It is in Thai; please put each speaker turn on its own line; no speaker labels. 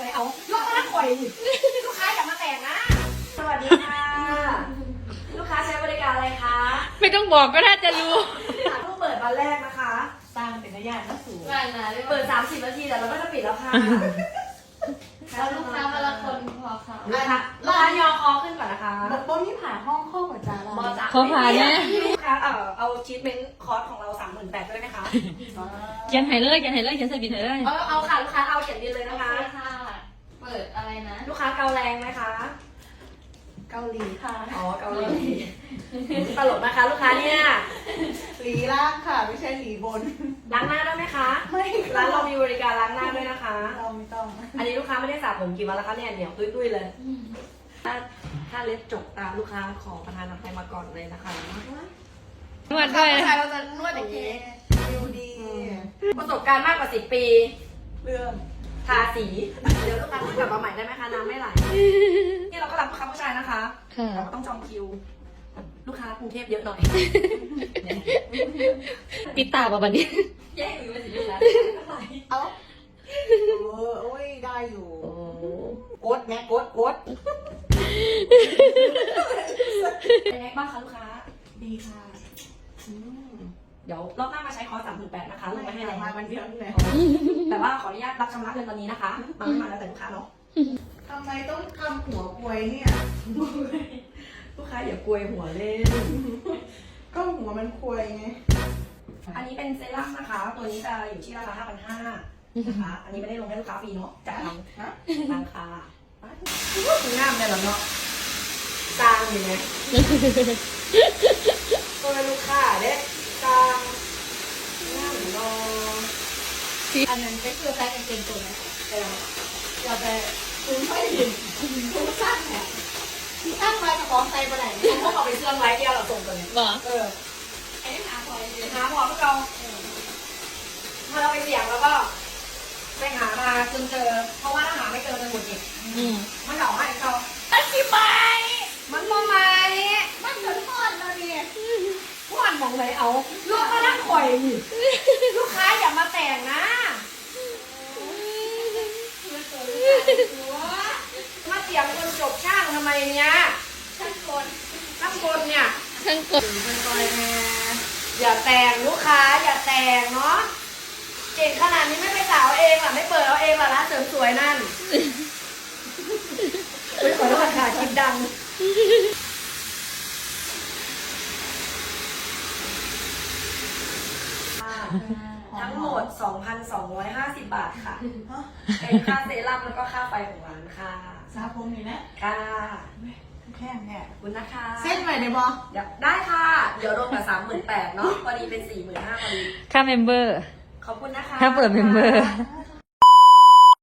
เลยเอาลูกค้าข่อยลูกค้าอย่ามาแต่งนะสวัสดีค่ะลูกค้าใช้บริการอะไรคะ
ไม่ต้องบอกก็น่าจะรู้
เพิ่งเปิดวันแรกนะคะ
สร้างเป็นระยะน่าสูง
ง่ายนะเรียก
เปิ
ว่า
ด30 นาทีแต่เราก็จะปิดแล้วค่ะ
เอาลูกค้ามาละคนพอค่ะ
ลูกค้ายอคอขึ้นก่อนนะคะ
โบมีผ่าห้องข้อหัวใจเรา
บอจ่า
ขอผ่านเนี่ย
ลูกค้าเอาชีทเมนต์คอร์สของเรา 38,000ด้วยนะคะ
เขียนให้เลยเขียนให้เลยเขียนใส่บินให้เลย
เอาค่ะลูกค้าเอาเขียนดีเลย
โอ
นะ
เค
คะ
ค่ะ เปิดอะไรนะ
ลูกค้าเกาแรงไหมคะ
เกาหลีค่ะ
อ๋อเกาหลีตลกนะคะลูกค้าเนี่ย
หลีล่างค่ะไม่ใช่หลีบน
ล้างหน้าได้ไหมคะ
ไม่
ร้านเรามีบริการล้างหน้าด้วยนะคะ
เราไม่ต้อง
อันนี้ลูกค้าไม่ได้สระผมกี่วันแล้วคะเนี่ยเหนียวตุ้ยๆเลย ถ้าเล็บจกตามลูกค้าขอประทานอภัยมาก่อนเลยนะคะ
นวดด้วย
ผู้ชายเราจะนวดอย่างนี้
ดูดี
ประสบการณ์มากกว่า10 ปี
เรื่อง
ทาสี เดี๋ยวลูกค้ากลับมาใหม่ได้ไหมคะน้ำไม่ไหลนี่เราก็รับลูกค้าผู้ชายนะคะ
ค่ะ
เราก็ต้องจองคิว ลูกค้ากรุงเทพเยอะหน่อย
ปิดตาป่ะบันนี้
แย่อยู่มาสิลูกค้า
เอาโอ้ยได้อยู่
โอ้
กดไงกด
เป็นไงบ้างคะลูกค้า
ดีค่ะ
เดี๋ยวรอบหน้ามาใช้คอร์ส38,000นะคะลงมาให้
ให้
แล้ว
มาวันเดียวนี่แหละ
แต่ว่าขออนุญาตรับชำระเงินตอนนี้นะคะมาไม่มาแล้วแต่ลูกค้าเนาะ
ทำไมต้องทำหัวกลวยเนี่ย
ลูกค้าอย่ากลวยหัวเล่น
ก็หัวมันควยไง
อันนี้เป็นเซรั่มนะคะ ตัวนี้จะอยู่ที่ราคา 5,500 นะคะ อันนี้ไม่ได้ลงให้ลูกค้าฟรีเนาะจ่ายทาง
ฮะ
ทางค่ะคุณงามเลยเหรอเนาะจางอยู่ไหมตัวลูกค้าเด็กจางงามอยู่เนาะ
อันนั้นก็คือใส่กางเกงตัวไหน
อย่าไปคุณไม่เห็นคุณสร้างแหละตั้งไว้กับของใส่ไปไหน
พวกเราไปเชื่อมไว้ที่เราส่งกันเนี่ย
บอก
ไอ้หาพอหาพอพวกเราพอเราไปเสี่ยงแล้วก็ไปหามาจนเจอ เพราะว่าถ้าหาไม่เจอจะหมดอีก มันเหล่าให้เขาอธิบายมันมองไหม
มันเหมือนทอดแล้วเนี่ย
พวกมันมองไหนเอา ลูกก็นั่งข่อยนี่ลูกค้าอย่ามาแต่งนะ มาเสียงคนจบช่างทำไมเนี่ยช่างคนเนี่ย
ช่างกด
มันคอยแม่อย่าแต่งลูกค้าอย่าแต่งเนาะเก่งขนาดนี้ไม่ไปสาวเองล่ะไม่เปิดเอาเองล่ะร้านเสริมสวยนั่นอุ๊ยขอโทษค่ะคลิปดังทั้งหมด 2,250 บาทค่ะ เป็นค่าเซรั่มแล้วก็ค่าไฟของร้านค่ะ
ซาผมนี่นะ
ค่ะ
แค่เนี่ย
ขอบคุณนะคะ
เส้นไปได้บอ
เดี๋ยวได้ค่ะ เดี๋ยวรวมกับ38,000เนาะพอดีเป็น45,000พอดี
ค่าเมมเบอร์
ขอบคุณนะคะ
ถ้าเปิดเมมเบอร์
อ่า